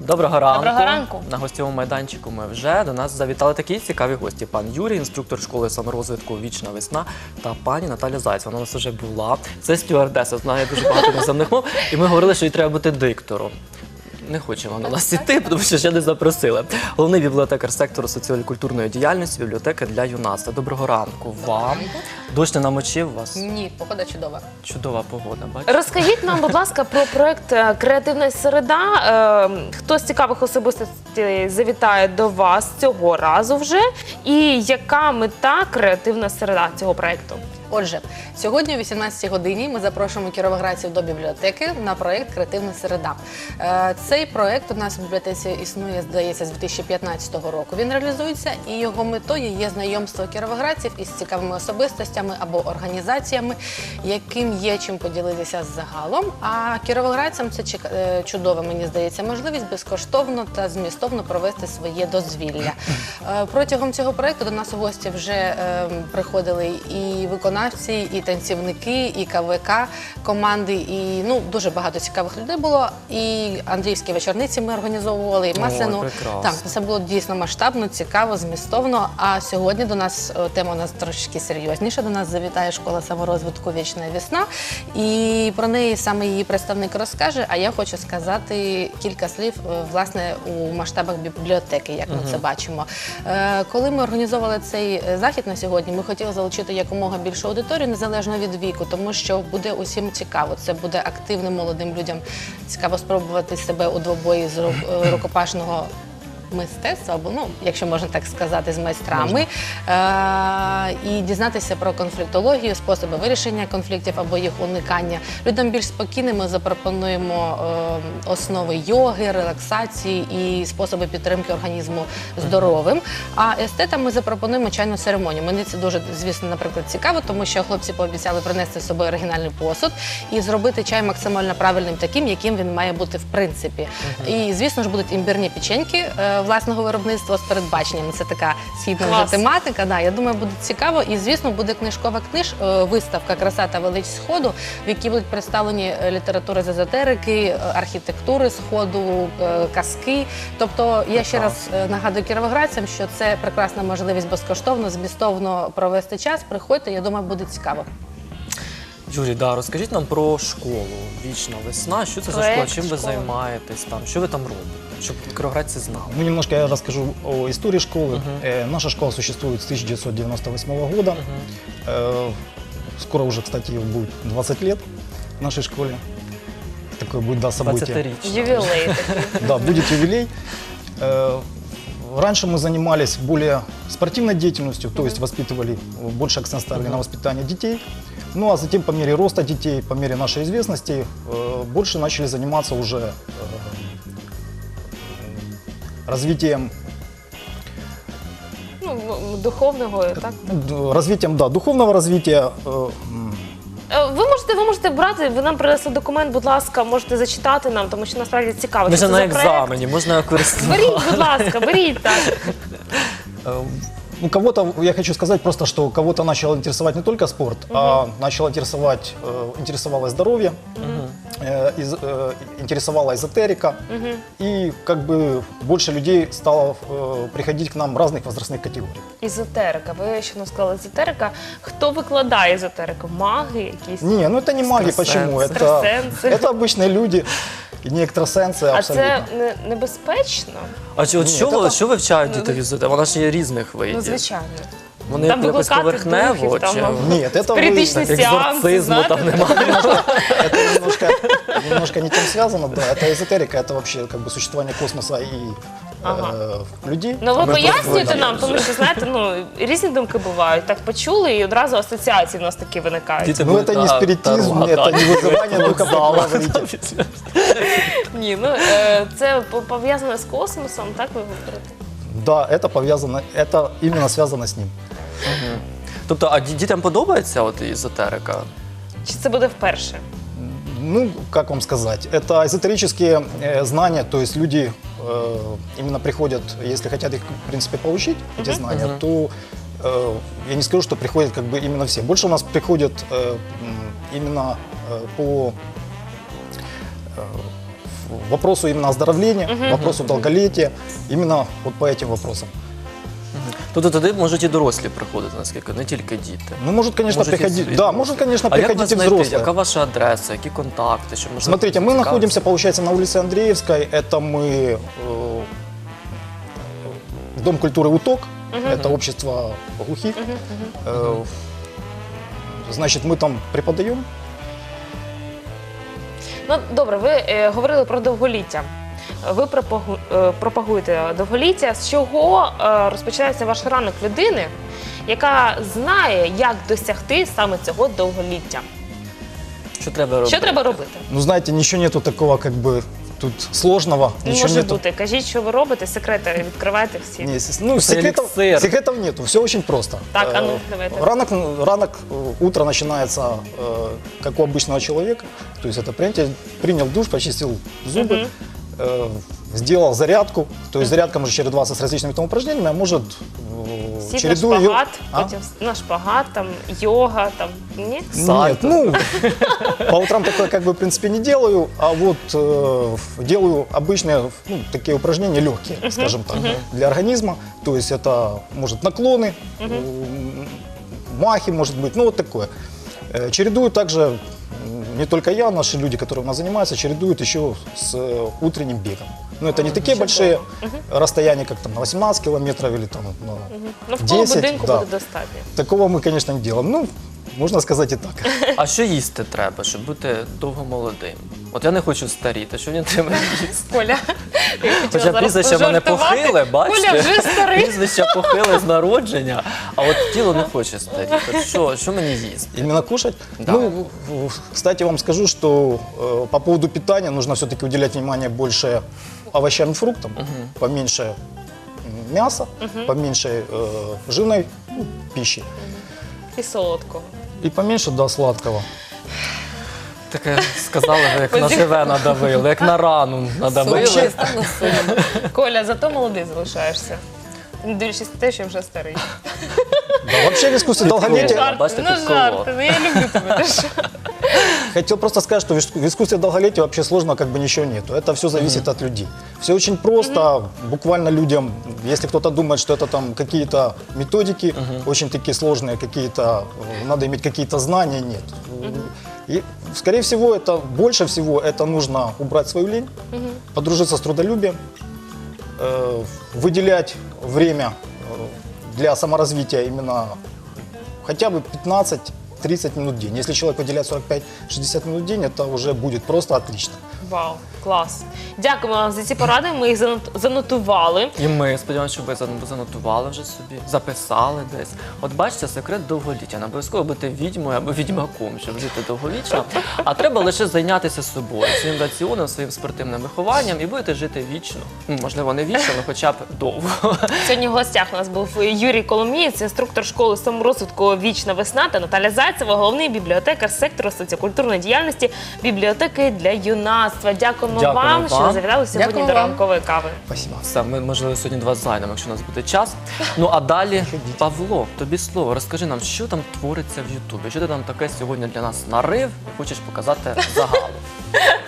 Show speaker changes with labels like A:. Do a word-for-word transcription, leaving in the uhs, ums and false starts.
A: Доброго ранку.
B: Доброго ранку.
A: На гостєвому майданчику ми вже. До нас завітали такі цікаві гості. Пан Юрій, інструктор школи саморозвитку «Вічна весна», та пані Наталя Зайцева. Вона у нас вже була. Це стюардеса, знає дуже багато іноземних мов. І ми говорили, що їй треба бути диктором. Не хочемо на нас іти, тому що ще не запросили. Головний бібліотекар сектору соціально-культурної діяльності бібліотеки для юнацтва. Доброго ранку вам. Дощ не намочив вас?
C: Ні, погода чудова.
A: Чудова погода, бачите?
B: Розкажіть нам, будь ласка, про проект е, «Креативна середа». Е, Хто з цікавих особистостей завітає до вас цього разу вже? І яка мета «Креативна середа» цього проекту?
C: Отже, сьогодні о вісімнадцятій годині ми запрошуємо кіровоградців до бібліотеки на проєкт «Креативна середа». Е, Цей проєкт у нас в бібліотеці існує, здається, з дві тисячі п'ятнадцятого року. Він реалізується, і його метою є знайомство кіровоградців із цікавими особистостями або організаціями, яким є чим поділитися загалом. А кіровоградцям це чек- е, чудова, мені здається, можливість безкоштовно та змістовно провести своє дозвілля. Е, Протягом цього проєкту до нас у гості вже е, приходили і виконавці, і танцівники, і КВК команди, і ну дуже багато цікавих людей було. І Андріївські вечорниці ми організовували, і Масляну.
A: прекрасно.
C: Так, це було дійсно масштабно, цікаво, змістовно. А сьогодні до нас е, тема у нас трошки серйозніша. До нас завітає школа саморозвитку «Вічна весна», і про неї саме її представник розкаже. А я хочу сказати кілька слів е, власне у масштабах бібліотеки, як ми це бачимо. Е, Коли ми організовували цей е, захід на сьогодні, ми хотіли залучити якомога більшу аудиторію, незалежно від віку, тому що буде усім цікаво. Це буде активним молодим людям цікаво спробувати себе у двобої з ру- рукопашного мистецтва, або, ну, якщо можна так сказати, з майстрами, е- і дізнатися про конфліктологію, способи вирішення конфліктів або їх уникання. Людям більш спокійним ми запропонуємо е- основи йоги, релаксації і способи підтримки організму здоровим. А естетам ми запропонуємо чайну церемонію. Мені це дуже, звісно, наприклад, цікаво, тому що хлопці пообіцяли принести з собою оригінальний посуд і зробити чай максимально правильним, таким, яким він має бути в принципі. І, звісно ж, будуть імбирні печеньки е, власного виробництва з передбаченнями. Це така східна вже
B: Клас.
C: тематика. Да, я думаю, буде цікаво. І, звісно, буде книжкова книж, е, виставка «Краса та велич Сходу», в якій будуть представлені е, літератури з езотерики, е, архітектури Сходу, е, казки. Тобто, я ще раз е, нагадую кіровоградцям, що це прекрасна можливість безкоштовно, змістовно провести час. Приходьте, я думаю, буде цікаво.
A: Юрій, да, розкажіть нам про школу «Вічна весна». Що це за
B: Проект
A: школа? Чим ви
B: школи.
A: займаєтесь там? Що ви там робите? Щоб кіровоградці знали.
D: Ну, немножко я расскажу о истории школы. Э, наша школа существует с тысяча девятьсот девяносто восьмого года. Э, скоро уже, кстати, будет двадцать лет в нашей школе. Такое будет, да, событие.
A: двадцятирічна.
B: Ювілей такий.
D: Да, будет юбилей. Э, раньше мы занимались более спортивной деятельностью, то есть воспитывали, больше акцент ставили на воспитание детей. Ну а затем по мере роста детей, по мере нашей известности, э, больше начали заниматься уже э, развитием,
B: Ну, в- духовного, так?
D: д- развитием, да, духовного развития. э, м,
B: Е, Ви можете, ви можете брати, ви нам принесли документ, будь ласка, можете зачитати нам, тому що насправді цікаво.
A: Ми
B: що
A: ж
B: це
A: на
B: за проект.
A: екзамені, можна користуватися.
B: Беріть, будь ласка, беріть так.
D: э, Ну, кого-то, я хочу сказать просто, что кого-то начал интересовать не только спорт, а начал интересовать, э, интересовало здоровье, э, из- э, интересовала эзотерика, и как бы больше людей стало э, приходить к нам разных возрастных категорий.
B: Езотерика. Ви ще не сказали езотерика. Хто викладає езотерику? Маги якісь?
D: Не, ну это не маги, почему? Это,
B: Экстрасенсы.
D: это обычные люди, и не экстрасенсы
B: А
D: абсолютно.
B: це не, небезпечно?
A: А чи, от
D: Ні,
A: що,
D: та
A: ви-
D: там-
A: що вивчають діти в ізотериці? Вона ж є різних
B: Ну,
A: видів.
B: звичайно.
A: Вони
B: Там
A: якось
B: викликати
A: поверхнево,
B: духів, там,
A: чи
B: ну,
D: Нет, это вы,
B: Спиритичні
A: так,
B: сеанси,
A: екзорцизму
B: знаєте?
A: там немає.
D: это немножко, немножко не тем связано, да. Это эзотерика, это вообще как бы существование космоса и
B: Ага.
D: э, людей.
B: Ну, ви
A: Ми
B: пояснюєте
A: просто
B: нам, тому що, знаєте, ну, різні думки бувають. Так почули, і одразу асоціації в нас такі виникають.
A: Діти
D: Ну,
A: будуть,
D: это не
A: а,
D: спиритизм,
A: Таро
D: это
A: гадати.
D: не вызывание духа, как
A: Вокзала.
D: вы говорите.
B: Ні, ну, е, це по- пов'язане з космосом, так ви говорите?
D: Да, это повязано, это именно связано с ним.
A: Тобто, а ді- дітям подобається от езотерика?
B: Чи це буде вперше?
D: Ну, как вам сказать, это эзотерические э, знания, то есть люди э, именно приходят, если хотят их, в принципе, получить, эти знания, то э, я не скажу, что приходят как бы именно все. Больше у нас приходят э, м, именно э, по э, вопросу именно оздоровления, вопросу долголетия, именно вот по этим вопросам.
A: Тобто туди можуть і дорослі приходити, наскільки, не тільки діти.
D: Ну, может, конечно,
A: Можуть і
D: приходить,
A: взрослі.
D: да, может, конечно,
A: А як
D: приходить
A: вас
D: и
A: знайти?
D: взрослые.
A: Яка ваша адреса, які контакти? Щоб, можливо,
D: Смотрите, мы
A: цікавитися?
D: находимся, получается, на улице Андреевской. Это мы э, Дом культуры «Уток». Это общество глухих. Э, Значит, мы там преподаем.
B: Ну, добре, ви е, говорили про довголіття. Ви пропагу- е, пропагуєте довголіття. З чого е, розпочинається ваш ранок людини, яка знає, як досягти саме цього довголіття?
A: Що треба робити?
B: Що треба робити?
D: Ну, знаете, ничего нету такого, как бы, тут сложного.
B: Не
D: Ничего
B: може
D: нету.
B: бути. Кажіть, що ви робите, секрети відкривайте всі.
D: Не, с- ну,
A: Это
D: секретов,
A: эликсир.
D: секретов нету, все очень просто.
B: Так, а ну,
D: Э,
B: давайте.
D: Ранок, ранок, э, утро начинается, э, как у обычного человека. То есть это принятие- принял душ, почистил зубы, э, сделал зарядку. То есть зарядка может чередоваться с различными там упражнениями, а может э,
B: Сідь на
D: чередуя её-
B: шпагат,
D: А?
B: потім на шпагат, там, йога, там, ні?
D: Нет,
A: Сальто.
D: ну, по утрам такое как бы в принципе не делаю, а вот э, делаю обычные, ну, такие упражнения легкие, скажем так, для организма. То есть это может наклоны, м, махи, может быть, ну вот такое. Э, Чередую также, м, не только я, наши люди, которые у нас занимаются, чередуют еще с э, утренним бегом. Но это не такие большие расстояния, как там на восемнадцать километров или там на
B: Ну, в коло
D: десять,
B: будинку
D: да.
B: буде достатньо.
D: Такого мы, конечно, не делаем. Ну, можно сказать и так.
A: А що їсти треба, щоб бути довго молодим? От я не хочу старіти, що мені треба їсти?
B: Коля, я хотіла
A: Хоча
B: зараз
A: прізвище в мене
B: пожартувати.
A: похиле, бачите?
B: Коля вже старий.
A: Прізвище похиле з народження, а от тіло не хоче старіти. От Що, що мені їсти?
D: Именно кушать?
A: Да.
D: Ну, в- в- кстати, вам скажу, что э, по поводу питания нужно все-таки уделять внимание больше овощам и фруктам, поменьше м, мяса, поменьше э, жирной ну, пищи
B: І солодкого.
D: и поменьше, да, сладкого.
A: Таке сказали, ви як на живе надавили, як на рану надавили.
C: Вообще стало сумно.
B: Коля, зато молодий залишаєшся. Не дивлячись на те, що вже старий.
D: Да, вообще в искусстве
A: Прикол.
D: долголетия,
A: Жарт. бачите,
B: ну
A: підколов.
B: жарти, ну я люблю тебе. ти що?
D: хотел просто сказать, что в иску- в искусстве долголетия вообще сложно как бы ничего нету. Это все зависит от людей. Все очень просто, буквально людям, если кто-то думает, что это там какие-то методики, очень такие сложные, какие-то, э, надо иметь какие-то знания, нет. И, скорее всего, это больше всего это нужно убрать свою лень, подружиться с трудолюбием, э, выделять время э, для саморазвития именно хотя бы пятнадцать-тридцать минут в день. Если человек выделяет сорок пять - шестьдесят минут в день, это уже будет просто отлично.
B: Вау, клас. Дякуємо вам за ці поради. Ми їх занот- занотували.
A: І ми сподіваємося, що ви зан- занотували вже собі, записали десь. От бачите, секрет довголіття. Не обов'язково бути відьмою або відьмаком, щоб жити довговічно. А треба лише зайнятися собою, своїм раціоном, своїм спортивним вихованням і будете жити вічно. Ну, можливо, не вічно, але хоча б довго.
B: Сьогодні в гостях у нас був Юрій Коломієць, інструктор школи саморозвитку «Вічна весна» та Наталя Зайцева, головний бібліотекар сектору соціокультурної діяльності бібліотеки для юнацтва. Дякуємо,
A: Дякуємо
B: вам, що
A: вам.
B: завітали сьогодні
C: Дякую
B: до
C: вам.
B: ранкової кави.
D: Спасибо.
A: Все, ми, можливо, сьогодні два зайдемо, якщо у нас буде час. Ну, а далі, Павло, тобі слово. Розкажи нам, що там твориться в Ютубі? Що ти там таке сьогодні для нас нарив і хочеш показати загалом?